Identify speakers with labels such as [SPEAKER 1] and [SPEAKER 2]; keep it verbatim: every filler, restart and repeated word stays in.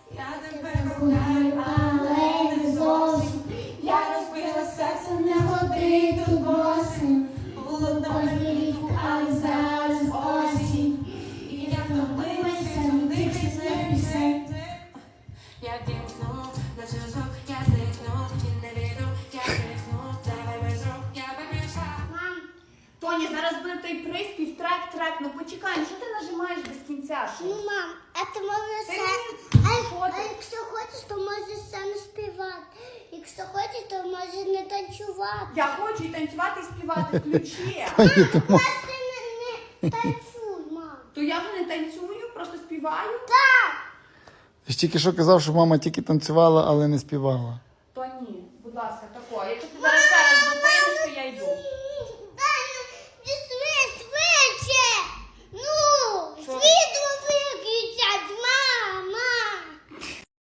[SPEAKER 1] Я тебе кохаю, але не зовсім. Я розбила серце, не ходи тут босим. Було добре влітку, але зараз осінь. І я втомилася, не дивлюсь на пісень. Я дімкну на зв'язок, я зникну, і не віду, я зникну, давай без рук, я вибіжа.
[SPEAKER 2] Мам, Тоні, зараз буде той приспів, трек, трек, ну почекай, ну що ти нажимаєш без кінця? Що?
[SPEAKER 3] Ну, мам, а ти можеш
[SPEAKER 2] Ти
[SPEAKER 3] все.
[SPEAKER 2] мені-
[SPEAKER 3] А,
[SPEAKER 2] Що
[SPEAKER 3] а
[SPEAKER 2] ти?
[SPEAKER 3] якщо хочеш, то можеш сам співати. Якщо хочеш, то можеш не танцювати.
[SPEAKER 2] Я хочу і танцювати, і співати, включи.
[SPEAKER 3] Просто не, не танцюй, мам.
[SPEAKER 2] То я вже не танцюю, просто співаю.
[SPEAKER 3] Так.
[SPEAKER 4] Ти ж тільки що казав, що мама тільки танцювала, але не співала.
[SPEAKER 2] Тоні, будь ласка,